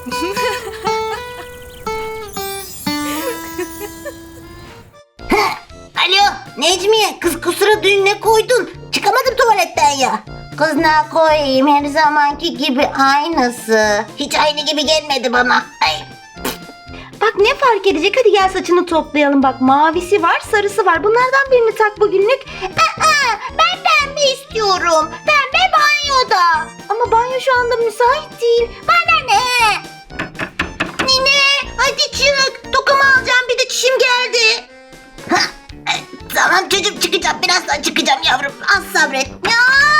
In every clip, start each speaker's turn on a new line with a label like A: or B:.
A: Alo Necmiye, kız kusura dün ne koydun? Çıkamadım tuvaletten ya. Kız ne koyayım, her zamanki gibi aynısı. Hiç aynı gibi gelmedi bana. Ay.
B: Bak ne fark edecek? Hadi gel saçını toplayalım. Bak mavisi var, sarısı var. Bunlardan birini tak bugünlük.
A: Ben pembe istiyorum. Pembe banyoda.
B: Ama banyo şu anda müsait değil.
A: Bana ne? Nine hadi çık. Tokamı alacağım, bir de çişim geldi. Tamam çocuğum, çıkacağım. Birazdan çıkacağım yavrum. Az sabret. Ya!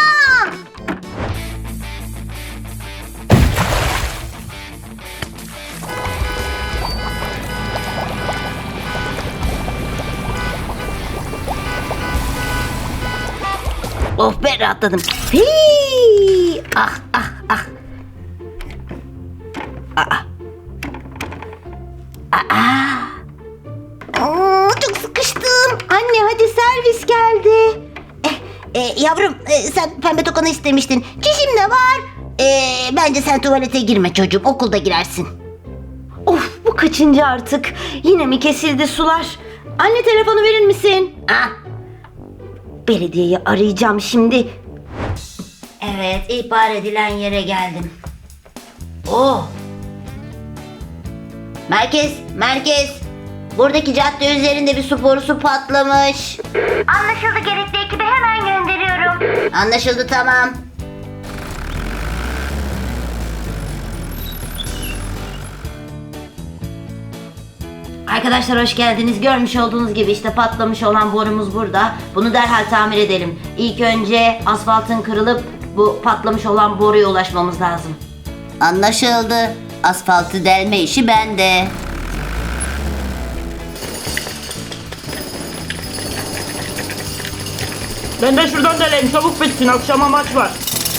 A: Of be, rahatladım. Hii! Ah ah ah. Çok sıkıştım.
B: Anne hadi servis geldi.
A: Yavrum, sen pembe tokanı istemiştin. Çişim de var. Bence sen tuvalete girme çocuğum. Okulda girersin.
B: Of bu kaçıncı artık? Yine mi kesildi sular? Anne telefonu verir misin?
A: Ah.
B: Belediyeyi arayacağım şimdi.
A: Evet, ihbar edilen yere geldim. Oh. Merkez. Buradaki cadde üzerinde bir su borusu patlamış.
B: Anlaşıldı, gerekli ekibi hemen gönderiyorum.
A: Anlaşıldı, tamam. Arkadaşlar hoş geldiniz. Görmüş olduğunuz gibi işte patlamış olan borumuz burada. Bunu derhal tamir edelim. İlk önce asfaltın kırılıp bu patlamış olan boruya ulaşmamız lazım. Anlaşıldı. Asfaltı delme işi bende.
C: Ben de şuradan deleyim, çabuk bitsin, akşama maç var.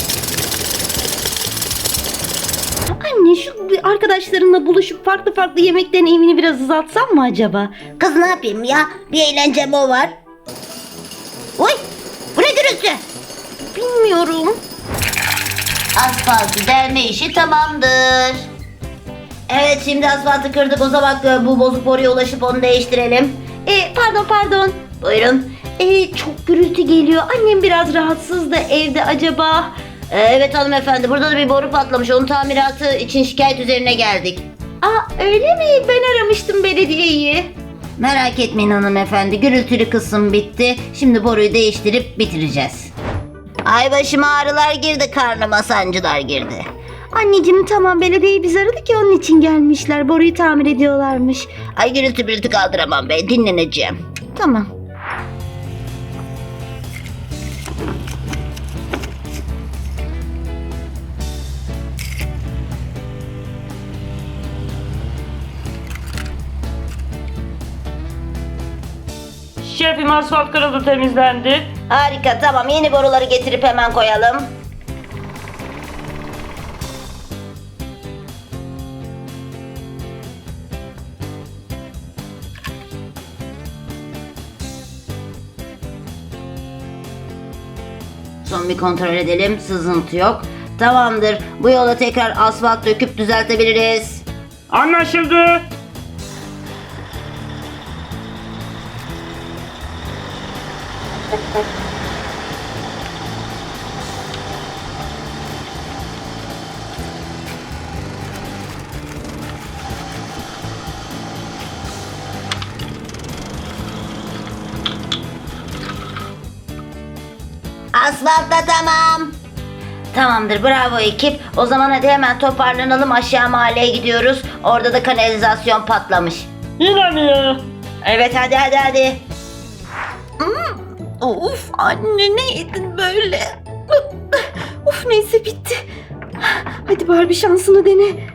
B: Anne şu arkadaşlarınla buluşup farklı yemek deneyimini biraz uzatsan mı acaba?
A: Kız ne yapayım ya? Bir eğlencem o var. Oy! Bu ne gürültü?
B: Bilmiyorum.
A: Asfaltı delme işi tamamdır. Evet, şimdi asfaltı kırdık. O zaman bu bozuk boruya ulaşıp onu değiştirelim.
B: Pardon.
A: Buyurun.
B: Çok gürültü geliyor. Annem biraz rahatsız da evde acaba.
A: Evet hanımefendi, burada da bir boru patlamış. Onun tamiratı için şikayet üzerine geldik.
B: Öyle mi? Ben aramıştım belediyeyi.
A: Merak etmeyin hanımefendi, gürültülü kısım bitti. Şimdi boruyu değiştirip bitireceğiz. Ay başıma ağrılar girdi, karnıma sancılar girdi.
B: Anneciğim tamam, belediyeyi biz aradık ya, onun için gelmişler. Boruyu tamir ediyorlarmış.
A: Ay gürültü kaldıramam be, dinleneceğim.
B: Tamam.
C: Şefim, asfalt kırıldı, temizlendi.
A: Harika, tamam, yeni boruları getirip hemen koyalım. Son bir kontrol edelim, sızıntı yok. Tamamdır, bu yola tekrar asfalt döküp düzeltebiliriz.
C: Anlaşıldı.
A: Asfalt da tamam. Tamamdır, bravo ekip. O zaman hadi hemen toparlanalım, aşağı mahalleye gidiyoruz. Orada da kanalizasyon patlamış.
C: Yine mi ya?
A: Evet, hadi.
B: Of anne, ne yedin böyle? Of neyse, bitti. Hadi bari bir şansını dene.